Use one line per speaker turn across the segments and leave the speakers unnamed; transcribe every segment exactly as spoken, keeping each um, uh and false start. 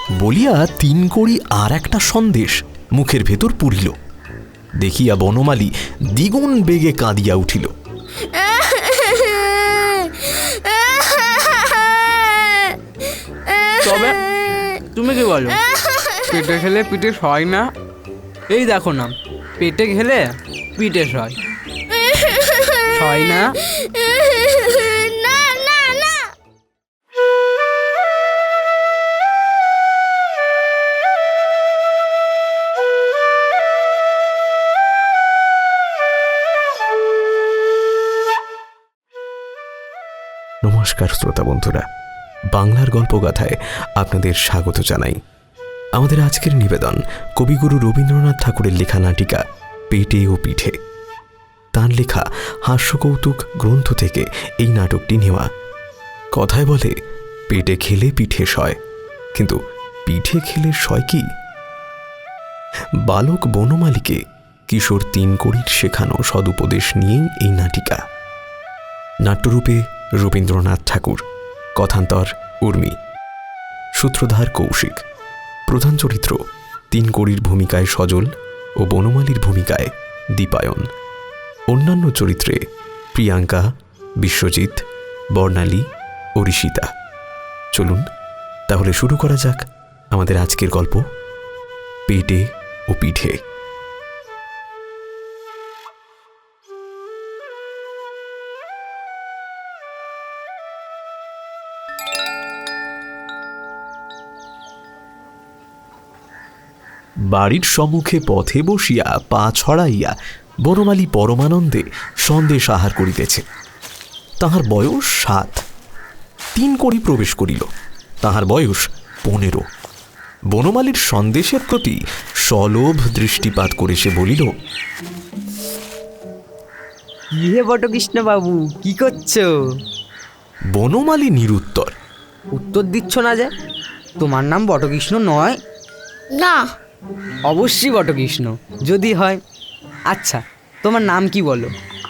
বলিয়া তিন কড়ি আর একটা সন্দেশ মুখের ভেতর পুরিল। দেখিয়া বনমালী দ্বিগুণ বেগে কাঁদিয়া উঠিল।
তবে তুমি কি বলো, পেটে খেলে পিঠে সয় না? এই দেখো না, পেটে খেলে পিঠে সয় সয় না।
না না না।
নমস্কার শ্রোতা বন্ধুরা, বাংলার গল্পগাথায় আপনাদের স্বাগত জানাই। আমাদের আজকের নিবেদন কবিগুরু রবীন্দ্রনাথ ঠাকুরের লেখা নাটিকা পেটে ও পিঠে। তাঁর লেখা হাস্যকৌতুক গ্রন্থ থেকে এই নাটকটি নেওয়া। কথায় বলে পেটে খেলে পিঠে সয়, কিন্তু পিঠে খেলে সয় কি? বালক বনমালীকে কিশোর তিন কড়ির শেখানো সদুপদেশ নিয়েই এই নাটিকা। নাট্যরূপে রবীন্দ্রনাথ ঠাকুর, কথান্তর উর্মি, সূত্রধার কৌশিক। প্রধান চরিত্র তিন কড়ির ভূমিকায় সজল ও বনমালীর ভূমিকায় দীপায়ন। অন্যান্য চরিত্রে প্রিয়াঙ্কা, বিশ্বজিৎ, বর্ণালী ও ঋষিতা। চলুন তাহলে শুরু করা যাক আমাদের আজকের গল্প পেটে ও পিঠে। বাড়ির সম্মুখে পথে বসিয়া পা ছড়াইয়া বনমালী পরমানন্দে সন্দেশ আহার করিতেছে। তাহার বয়স সাত। তিন কড়ি প্রবেশ করিল, তাহার বয়স পনেরো। বনমালীর সন্দেশের প্রতি সলোভ দৃষ্টিপাত করে সে বলিল,
ইহে বটকৃষ্ণ বাবু, কি করছো?
বনমালী নিরুত্তর।
উত্তর দিচ্ছ না যে? তোমার নাম বটকৃষ্ণ নয়?
না।
অবশ্যই বটকৃষ্ণ, যদি হয়। আচ্ছা, তোমার নাম কি বলো?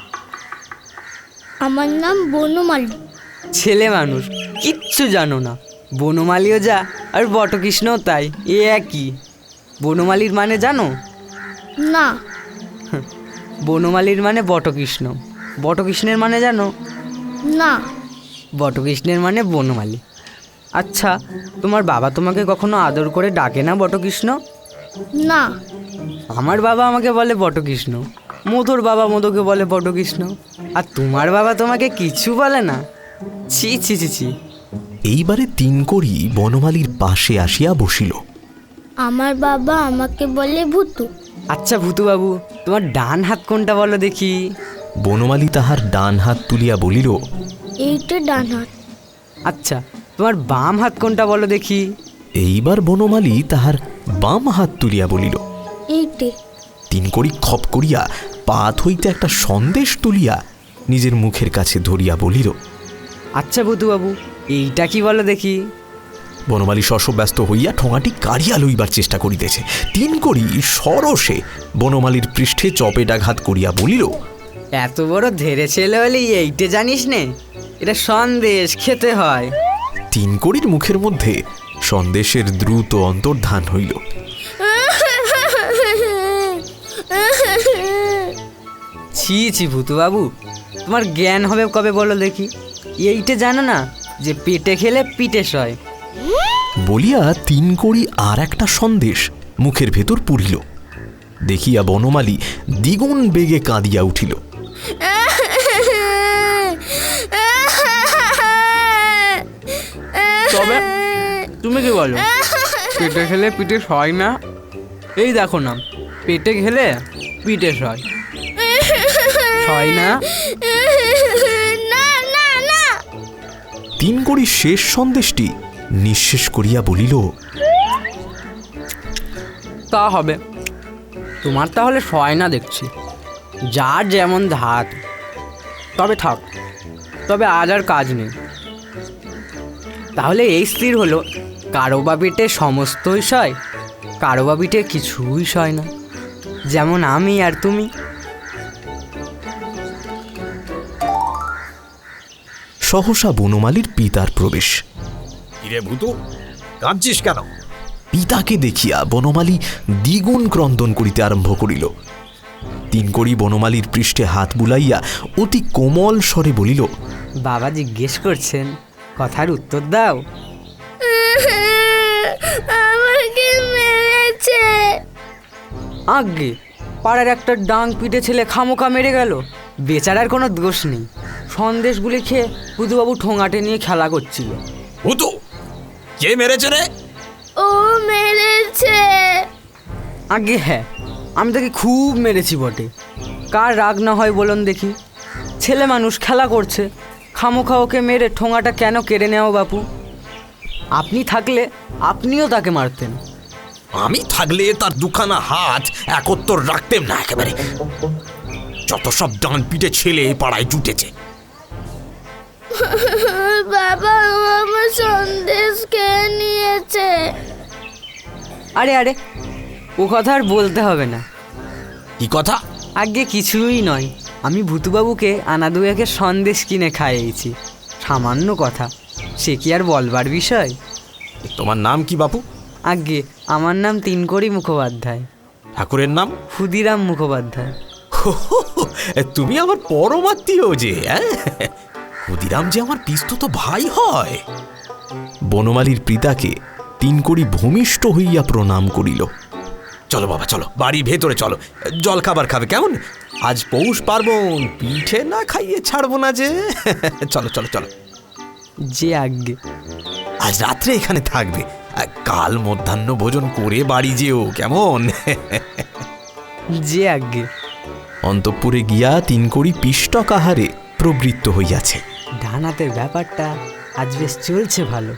আমার নাম বনমালী।
ছেলে মানুষ, কিচ্ছু জানো না। বনমালীও যা আর বটকৃষ্ণও তাই, এ একই। বনমালীর মানে জানো?
না।
বনমালীর মানে বটকৃষ্ণ, বটকৃষ্ণের মানে জানো?
না।
বটকৃষ্ণের মানে বনমালী। আচ্ছা, তোমার বাবা তোমাকে কখনো আদর করে ডাকে না বটকৃষ্ণ?
না।
আমার বাবা আমাকে বলে বটকৃষ্ণ, মধুর বাবা মধুকে বলে বটকৃষ্ণ, আর তোমার বাবা তোমাকে কিছু বলে না? ছি ছি ছি ছি।
এইবারে তিন কড়ি বনমালীর পাশে আসিয়া বসিল।
আমার বাবা আমাকে বলে ভূতু।
আচ্ছা ভূতু বাবু, তোমার ডান হাত কোনটা বলো দেখি?
বনমালী তাহার ডান হাত তুলিয়া বলিল,
এইটা ডান হাত।
আচ্ছা, তোমার বাম হাত কোনটা বলো দেখি?
এইবার বনমালী তাহার বাম হাত তুলিয়া বলিল,
এইটে।
তিন কড়ি খপ করিয়া পাত হইতে একটা সন্দেশ তুলিয়া নিজের মুখের কাছে ধরিয়া বলিল,
আচ্ছা ভূতু বাবু, এইটা কি বলো দেখি?
বনমালী শশব্যস্ত হইয়া ঠোঙাটি কাড়িয়া লইবার চেষ্টা করিতেছে। তিন কড়ি সরসে বনমালীর পৃষ্ঠে চপেটাঘাত করিয়া বলিল,
এত বড় ধেরে ছেলে হলে এইটে জানিস নে? এটা সন্দেশ, খেতে হয়।
তিন কড়ির মুখের মধ্যে সন্দেশের দ্রুত অন্তর্ধান হইল।
ছি ছি ভূতু বাবু, তোমার জ্ঞান হবে কবে বলো দেখি? এইটে জানো না যে পেটে খেলে পিঠে সয়?
বলিয়া তিন কড়ি আর একটা সন্দেশ মুখের ভেতর পুরিল। দেখিয়া বনমালী দ্বিগুণ বেগে কাঁদিয়া উঠিল।
তবে তুমি কি বলো, পেটে খেলে পিঠে সয় না? এই দেখো না, পেটে খেলে পিঠে সয় সয় না।
না না না।
তিন কড়ি শেষ সন্দেশটি নিঃশেষ করিয়া বলিল,
তা হবে, তোমার তাহলে সয় না দেখছি, যার যেমন ধাত। তবে থাক, তবে আজ আর কাজ নেই।
তাহলে এই স্থির হলো, কারো বা পেটে সমস্তই সয়, কারো বা পিঠে কিছুই সয় না, যেমন আমি আর তুমি।
সহসা বনমালীর পিতার প্রবেশ।
কিরে ভূতু, কাঁদছিস কেন?
পিতাকে দেখিয়া বনমালী দ্বিগুণ ক্রন্দন করিতে আরম্ভ করিল। তিন কড়ি বনমালীর পৃষ্ঠে হাত বুলাইয়া অতি কোমল স্বরে বলিল,
বাবা জিজ্ঞেস করছেন, কথার উত্তর দাও।
আমাকে মেরেছে।
আগে পাড়ার একটা ডাং পিটে ছেলে খামোখা মেরে গেল, বেচারার কোনো দোষ নেই। সন্দেশগুলি খেয়ে বুধুবাবু ঠোঙাটে নিয়ে খেলা করছিল।
ভূতু, কে মেরেছে রে?
ও মেরেছে।
আগে হ্যাঁ, আমি তাকে খুব মেরেছি বটে। কার রাগ না হয় বলুন দেখি? ছেলে মানুষ খেলা করছে, খামোখা ওকে মেরে ঠোঙাটা কেন কেড়ে নেও বাপু? আপনি থাকলে আপনিও তাকে মারতেন।
আমি থাকলে তার দুখানা হাত একত্তর রাখতেম না একেবারে। যত সব ডান পিটে ছেলে পাড়ায় জুটেছে।
বাবা, ও আমার সন্দেশ খেয়ে নিয়েছে।
আরে আরে, ও কথা আর বলতে হবে না।
কি কথা?
আগে কিছুই নয়, আমি ভূতুবাবুকে আনা দুয়েকের সন্দেশ কিনে খাইয়েছি। সামান্য কথা, সে কি আর বলবার বিষয়?
তোমার নাম কি বাপু?
আগে আমার নাম তিনকড়ি মুখোপাধ্যায়।
ঠাকুরের নাম?
ক্ষুদিরাম মুখোপাধ্যায়।
তুমি আমার পরমাত্মীয় যে। ক্ষুদিরাম যে আমার পিস্তত ভাই হয়। বনমালীর পিতাকে তিনকড়ি ভূমিষ্ঠ হইয়া প্রণাম করিল। চলো বাবা, চলো বাড়ির ভেতরে চলো, জল খাবার খাবে কেমন? আজ পৌষ পার্বণ, পিঠে না খাইয়ে ছাড়বো না যে। চলো চলো চলো।
যে আগে
আজ রাত্রে এখানে থাকবে, কাল মধ্যাহ্ন ভোজন করে বাড়ি যেও কেমন?
যে আগে
অন্তঃপুরে গিয়া তিনকড়ি পিষ্টক আহারে প্রবৃত্ত হইয়াছে।
ডানাতের ব্যাপারটা আজ বেশ চলছে ভালো।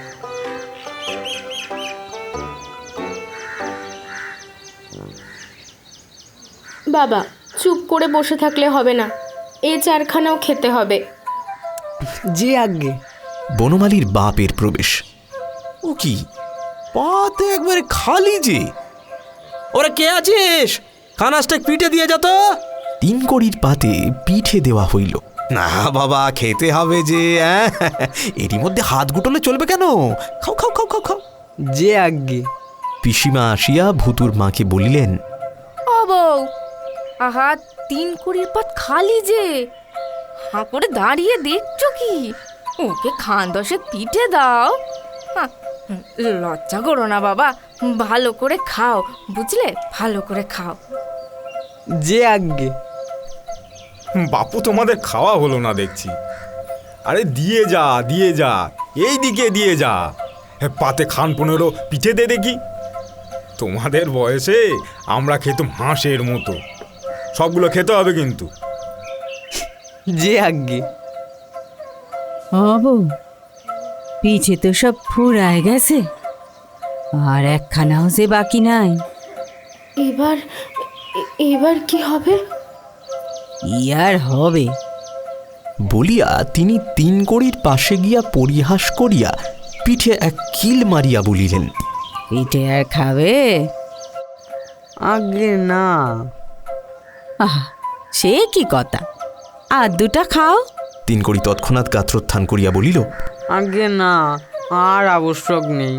বাবা, চুপ করে বসে থাকলে হবে না, এ চারখানাও খেতে হবে।
যে আগে
বনমালীর বাপের প্রবেশ। ও কি, পাতে একবারে খালি যে। ওরা কে আছিস? খানাসটা পিঠে দিয়ে যা তো। তিন কড়ির পাতে পিঠে দেওয়া হইল। না বাবা, খেতে হবে যে। এরই মধ্যে হাত গুটলে চলবে কেন? খাও খাও খাও খাও খাও।
যে আগে
পিসিমা আসিয়া ভূতুর মাকে বলিলেন,
ও বউ, আহা, তিন কুড়ির পাত খালি যে, হাঁ করে দাঁড়িয়ে দেখছো কি? ওকে খান দশেক পিঠে দাও। হাঁ, লজ্জা করো না বাবা, ভালো করে খাও, বুঝলে? ভালো করে খাও।
যে আগে
বাপু, তোমাদের খাওয়া হলো না দেখছি। আরে দিয়ে যা, দিয়ে যা, এই দিকে দিয়ে যা। পাতে খান পনেরো পিঠে দে দেখি। তোমাদের বয়সে আমরা খেতাম হাঁসের মতো। সবগুলো খেতে হবে কিন্তু।
যে আগে
ও বউ, পিছে তো সব ফুরায় গেছে, আর একখানাও যে বাকি নাই।
এবার এবার কি হবে?
ইয়ার হবে
বলিয়া তিনি তিন কড়ির পাশে গিয়া পরিহাস করিয়া পিঠে এক কিল মারিয়া বলিলেন,
পিঠে আর খাবে?
আগে না।
আহা, সে কি কথা, আর দুটা খাও।
তিন কড়ি তৎক্ষণাৎ গাত্রোত্থান করিয়া বলিল,
আগে না, আর আবশ্যক নেই।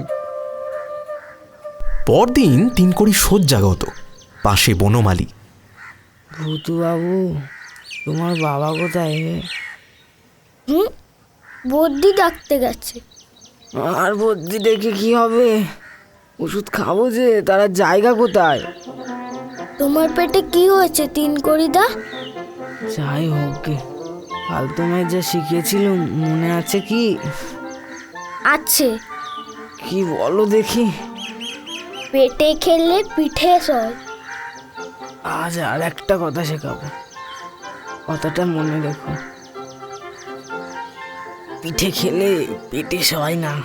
পরদিন তিন কড়ি শয্যাগত, পাশে বনমালী।
ভূতুবাবু, তোমার বাবা কোথায়?
হুম, বদ্যি ডাকতে গেছে।
আর বদ্যি দেখে কি হবে? ওষুধ খাবো যে, তারা জায়গা কোথায়?
তোমার পেটে কি হয়েছে তিন কড়িদা?
যাই হোক গে, কাল তোমায় যা শিখিয়েছিল মনে আছে কি?
আছে।
কি বলো দেখি।
পেটে খেলে পিঠে সয়।
আজ আর একটা কথা শেখাবো, কথাটা মনে রেখো। পিঠে খেলে পেটে সয় না।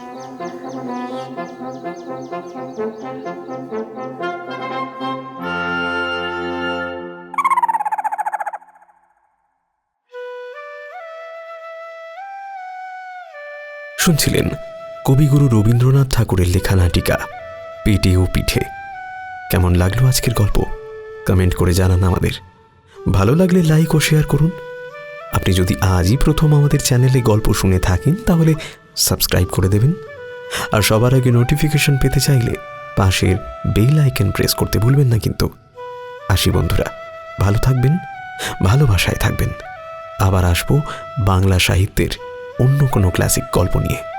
শুনছিলেন কবিগুরু রবীন্দ্রনাথ ঠাকুরের লেখা নাটিকা পেটে ও পিঠে। কেমন লাগলো আজকের গল্প? কমেন্ট করে জানান আমাদের। ভালো লাগলে লাইক ও শেয়ার করুন। আপনি যদি আজই প্রথম আমাদের চ্যানেলে গল্প শুনে থাকেন তাহলে সাবস্ক্রাইব করে দেবেন আর সবার আগে নোটিফিকেশন পেতে চাইলে পাশের বেল আইকন প্রেস করতে ভুলবেন না কিন্তু। আসি বন্ধুরা, ভালো থাকবেন, ভালোবাসায় থাকবেন। আবার আসবো বাংলা সাহিত্যের অন্য কোনো ক্লাসিক গল্প নিয়ে।